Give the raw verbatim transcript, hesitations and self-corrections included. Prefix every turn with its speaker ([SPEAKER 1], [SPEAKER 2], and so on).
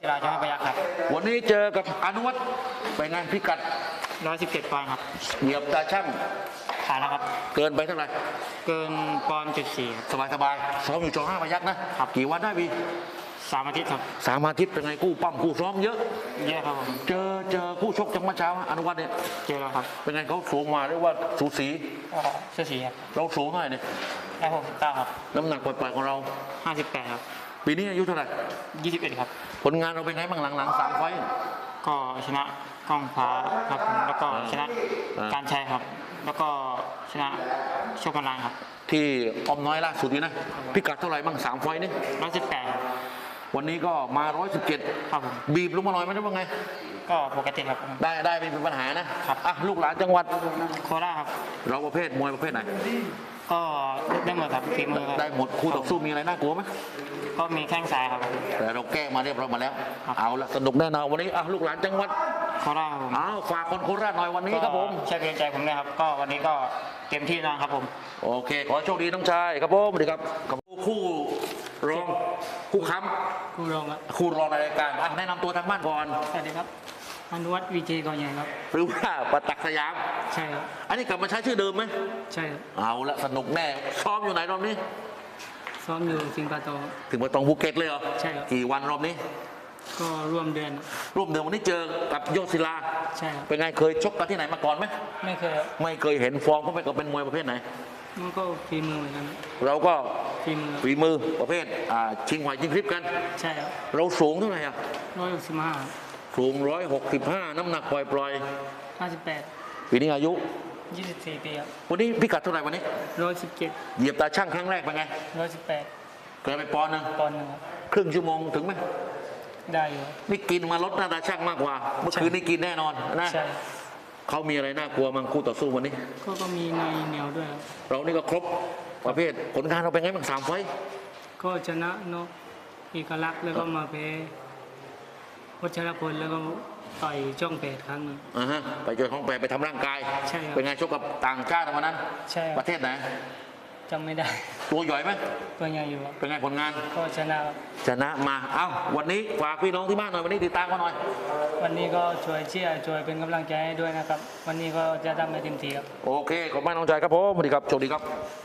[SPEAKER 1] ราชาพยัคฆ์ครับ
[SPEAKER 2] วันนี้เจอกับอนุวัฒน์เป็นไงพิกัด
[SPEAKER 1] ร้อยสิบเจ็ดปอนด์ครับ
[SPEAKER 2] เหยียบตาช่าง
[SPEAKER 1] ผ่านแล้วครับ
[SPEAKER 2] เกินไปเท่าไหร่
[SPEAKER 1] เกินปอนด์จุดสี่
[SPEAKER 2] สบายสบายซ้อมอยู่จอห้าพยัคฆ์นะครับกี่วันได้พี่
[SPEAKER 1] สามอาทิตย์ครับ
[SPEAKER 2] สามอาทิตย์เป็นไงกู้ปั้มกู้ซ้อมเยอะ
[SPEAKER 1] เยอะครับผม
[SPEAKER 2] เจอเจอคู่ชกจังหวะเช้าอนุวัฒน์เนี่ย
[SPEAKER 1] เจอแล้วครับ
[SPEAKER 2] เป็นไงเขาสูงมาเรียกว่าสูสี
[SPEAKER 1] สูสีครับ
[SPEAKER 2] เราสูงเท่าไหร่เนี่ย
[SPEAKER 1] ได้หกสิบเก้าครับ
[SPEAKER 2] น้ำหนักปล่อยๆของเรา
[SPEAKER 1] ห้าสิบแปดครับ
[SPEAKER 2] ปีนี้อายุเท่าไหร่
[SPEAKER 1] ยี่สิบเอ็ดครับ
[SPEAKER 2] ผลงานเราเป็นไงบ้างหลังๆสามไฟต์
[SPEAKER 1] ก็ชนะกล้องฟ้าครับแล้วก็ชนะการชัยครับแล้วก็ชนะโชคกันลางครับ
[SPEAKER 2] ที่ออมน้อยล่าสุดนี้นะพิกัดเท่าไหร่บ้างสามไฟต์นี่
[SPEAKER 1] ร้อยสิบแปด
[SPEAKER 2] วันนี้ก็มาร้อยสิบเจ็ด
[SPEAKER 1] ครับผม
[SPEAKER 2] บีบลงมาหน่อยไม่ได้ว่าไง
[SPEAKER 1] ก็ปกติครับ
[SPEAKER 2] ได้ได้ไม่เป็นปัญหานะครับอ่ะลูกหลานจังหวัด
[SPEAKER 1] โคราชครับ
[SPEAKER 2] เราประเภทมวยประเภทไหน
[SPEAKER 1] ก็ได้หมดครับฝีมือ
[SPEAKER 2] ได้หมดคู่ต่อสู้มีอะไรน่ากลัวไหม
[SPEAKER 1] ก็มีแข้งซ้ายครับ
[SPEAKER 2] แต่เราแก้มาเรียบร้อยมาแล้วเอาละสนุกแน่นอนวันนี้อ่ะลูกหลานจังหวัด
[SPEAKER 1] โคราชครับ
[SPEAKER 2] เอาฝากคนโคราชหน่อยวันนี้ครับผม
[SPEAKER 1] ช่วยเป็นใจผมนะครับก็วันนี้ก็เต็มที่นะครับผม
[SPEAKER 2] โอเคขอโชคดีน้องชายครับผมสวัสดีครับกับคู่รองคู่ค้
[SPEAKER 1] ำคู่รองครับ
[SPEAKER 2] คู่รองในรายการอ่ะแนะนำตัวทางบ้านก่อน
[SPEAKER 1] สวัสดีครับอนุวัฒน์วีเจกอใหญ่ครับ
[SPEAKER 2] หรือว่าปตักสยาม
[SPEAKER 1] ใช่ครับ
[SPEAKER 2] อันนี้กลับมาใช้ชื่อเดิมไหม
[SPEAKER 1] ใช่ครับ
[SPEAKER 2] เอาละสนุกแน่ซ้อมอยู่ไหนรอบนี้
[SPEAKER 1] ซ้อมอยู่สิงคโปร์
[SPEAKER 2] ถึงมาตองภูเก็ตเลยเหรอ
[SPEAKER 1] ใช่ครับ
[SPEAKER 2] กี่วันรอบนี้
[SPEAKER 1] ก็ร่วมเดือน
[SPEAKER 2] ร่วมเดือนวันนี้เจอกับยอดศิลา
[SPEAKER 1] ใช่ครับ
[SPEAKER 2] เป็นไงเคยชกกันที่ไหนมาก่อนไหม
[SPEAKER 1] ไม่เคย
[SPEAKER 2] ไม่เคยเห็นฟอร์มเขาไปกับเป็นมวยประเภทไหน
[SPEAKER 1] มันก็ฝีมือเหมือนกัน
[SPEAKER 2] เราก็
[SPEAKER 1] ฝีมือ
[SPEAKER 2] ฝีมือประเภทอ่าชิงไหวชิงคลิปกัน
[SPEAKER 1] ใช่ครับ
[SPEAKER 2] เราสูงเท่าไหร่อ่ะ
[SPEAKER 1] ร้อยหกสิบห้า
[SPEAKER 2] สูงร้อยหกสิบห้าน้ำหนักปล่อยปล่อย
[SPEAKER 1] ห้าสิบแปด
[SPEAKER 2] ปีนี้อายุ
[SPEAKER 1] ยี่สิบสี่ปีครับ
[SPEAKER 2] วันนี้พิกัดเท่าไหร่วันนี้
[SPEAKER 1] ร้อยสิบเจ็ด
[SPEAKER 2] เหยียบตาช่างครั้งแรกเป็นไง
[SPEAKER 1] ร้อยสิบแปด
[SPEAKER 2] เกินไปปอนด์นึง
[SPEAKER 1] ปอนด์นึงครับ
[SPEAKER 2] ครึ่งชั่วโมงถึงไหม
[SPEAKER 1] ได้อยู่
[SPEAKER 2] นี่กินมาลดหน้าตาช่างมากกว่าเมื่อคืนนี่กินแน่นอนนะ
[SPEAKER 1] ใช่
[SPEAKER 2] เขามีอะไรน่ากลัวมั้งคู่ต่อสู้วันนี้
[SPEAKER 1] ก็ก็มีในเหนียวด้วย
[SPEAKER 2] เรานี่ก็ครบประเภทผลงานเราเป็นไงบ้างสามไฟ
[SPEAKER 1] ก็ชนะนกเอกลักษณ์แล้วก็มาแพ้วัชรพลแล้วก็ต่อยจ้องแปดครั้งนึง
[SPEAKER 2] อ่าฮะไปเจอของแปดไปทำร่างกาย
[SPEAKER 1] ใช่
[SPEAKER 2] เป็นไงชกกับต่างชาติวันนั้น
[SPEAKER 1] ใช่
[SPEAKER 2] ประเทศไหน
[SPEAKER 1] จำไม่ได้
[SPEAKER 2] ตัวใหญ่ไหม
[SPEAKER 1] ตัวใหญ่อยู่
[SPEAKER 2] เป็นไงผลงาน
[SPEAKER 1] ก็ชนะ
[SPEAKER 2] ชนะมาเอ้าวันนี้ฝากพี่น้องที่บ้านหน่อยวันนี้ติดตามมาหน่อย
[SPEAKER 1] วันนี้ก็ช่วยเชียร์ช่วยเป็นกำลังใจให้ด้วยนะครับวันนี้ก็จะทำให้เต็มที่ครับ
[SPEAKER 2] โอเคขอบคุณน้องใจครับผมสวัสดีครับโชคดีครับ